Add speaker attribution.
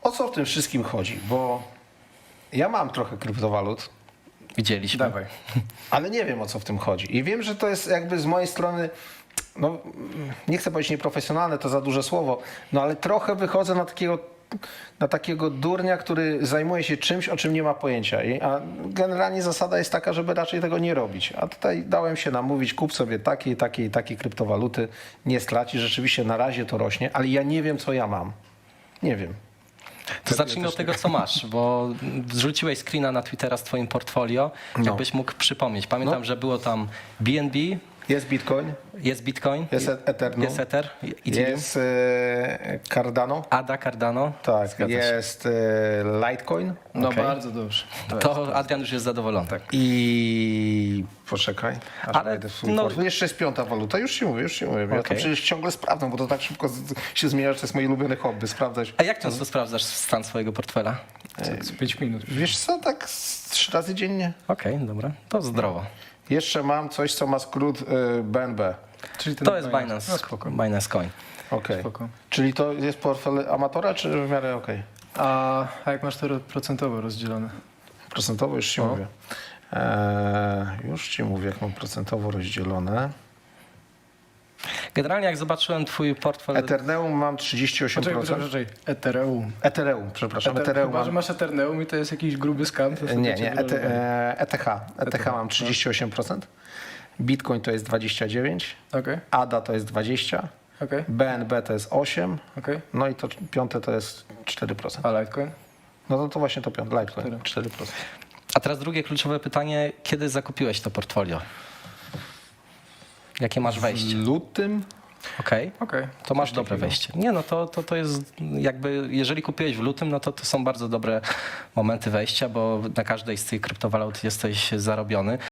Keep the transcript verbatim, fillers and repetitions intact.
Speaker 1: o co w tym wszystkim chodzi? Bo ja mam trochę kryptowalut,
Speaker 2: Widzieliśmy.
Speaker 3: Dawaj.
Speaker 1: ale nie wiem, o co w tym chodzi. I wiem, że to jest jakby z mojej strony, no nie chcę powiedzieć nieprofesjonalne, to za duże słowo, no ale trochę wychodzę na takiego, na takiego durnia, który zajmuje się czymś, o czym nie ma pojęcia. I, a generalnie zasada jest taka, żeby raczej tego nie robić. A tutaj dałem się namówić, kup sobie takiej, takiej, takiej kryptowaluty, nie straci. Rzeczywiście na razie to rośnie, ale ja nie wiem, co ja mam. Nie wiem.
Speaker 2: To zacznijmy od tego, co masz, bo zrzuciłeś screena na Twittera z twoim portfolio.
Speaker 1: No.
Speaker 2: Jakbyś mógł przypomnieć. Pamiętam,
Speaker 1: No.
Speaker 2: że było tam B N B,
Speaker 1: Jest Bitcoin,
Speaker 2: jest Bitcoin,
Speaker 1: jest Ether, no.
Speaker 2: jest Ether, Ethereum,
Speaker 1: jest e, Cardano,
Speaker 2: A D A, Cardano.
Speaker 1: tak,
Speaker 2: Zgadza się.
Speaker 1: jest e, Litecoin
Speaker 3: No
Speaker 2: Okej.
Speaker 3: bardzo dobrze.
Speaker 2: To Adrian już jest zadowolony. Tak.
Speaker 1: i poczekaj, aż
Speaker 2: Ale,
Speaker 1: wejdę w swój
Speaker 2: no-
Speaker 1: portfel. Jeszcze jest piąta waluta, już ci mówię, już ci mówię. Ja to
Speaker 2: Okej.
Speaker 1: przecież ciągle sprawdzam, bo to tak szybko z- się zmienia, że to jest moje ulubione hobby, sprawdzać.
Speaker 2: A jak często sprawdzasz stan swojego portfela?
Speaker 3: Tak, z pięć minut.
Speaker 1: Wiesz co, tak z trzy razy dziennie.
Speaker 2: Okej, dobra, to zdrowo.
Speaker 1: Jeszcze mam coś, co ma skrót y, B N B.
Speaker 3: Czyli ten
Speaker 2: To jest
Speaker 3: Binance.
Speaker 2: Binance,
Speaker 3: No spoko.
Speaker 2: Binance Coin.
Speaker 1: Okej.
Speaker 3: Spoko.
Speaker 1: Czyli to jest portfel amatora, czy w miarę okej?
Speaker 3: A, a jak masz to ro- procentowo rozdzielone?
Speaker 1: Procentowo już ci
Speaker 3: O.
Speaker 1: mówię. Eee, już ci mówię, jak mam procentowo rozdzielone.
Speaker 2: Generalnie jak zobaczyłem twój portfel...
Speaker 1: Ethereum mam trzydzieści osiem
Speaker 3: Poczekaj,
Speaker 1: procent.
Speaker 3: poczekaj, poczekaj. Ethereum.
Speaker 1: Ethereum, przepraszam.
Speaker 3: Eter-
Speaker 1: Ethereum
Speaker 3: Chyba,
Speaker 1: mam...
Speaker 3: że masz Ethereum i to jest jakiś gruby skam. To
Speaker 1: Nie,
Speaker 3: sobie
Speaker 1: nie,
Speaker 3: cię
Speaker 1: E T,
Speaker 3: wyrolowali.
Speaker 1: e, E T H. E T H
Speaker 3: no.
Speaker 1: mam trzydzieści osiem procent. Bitcoin to jest dwadzieścia dziewięć procent.
Speaker 3: Okej,
Speaker 1: A D A to jest dwadzieścia procent.
Speaker 3: okej,
Speaker 1: B N B to jest osiem procent.
Speaker 3: okej.
Speaker 1: No i to piąte to jest cztery procent.
Speaker 3: A Litecoin?
Speaker 1: No to, to właśnie to piąte. Litecoin
Speaker 3: Cztery.
Speaker 1: cztery procent.
Speaker 2: A teraz drugie kluczowe pytanie. Kiedy zakupiłeś to portfolio? Jakie masz wejście?
Speaker 1: W lutym
Speaker 2: Okej.
Speaker 3: Okej.
Speaker 2: To masz
Speaker 3: Coś
Speaker 2: dobre
Speaker 3: takiego.
Speaker 2: wejście. Nie, no to, to, to jest jakby, jeżeli kupiłeś w lutym, no to to są bardzo dobre momenty wejścia, bo na każdej z tych kryptowalut jesteś zarobiony.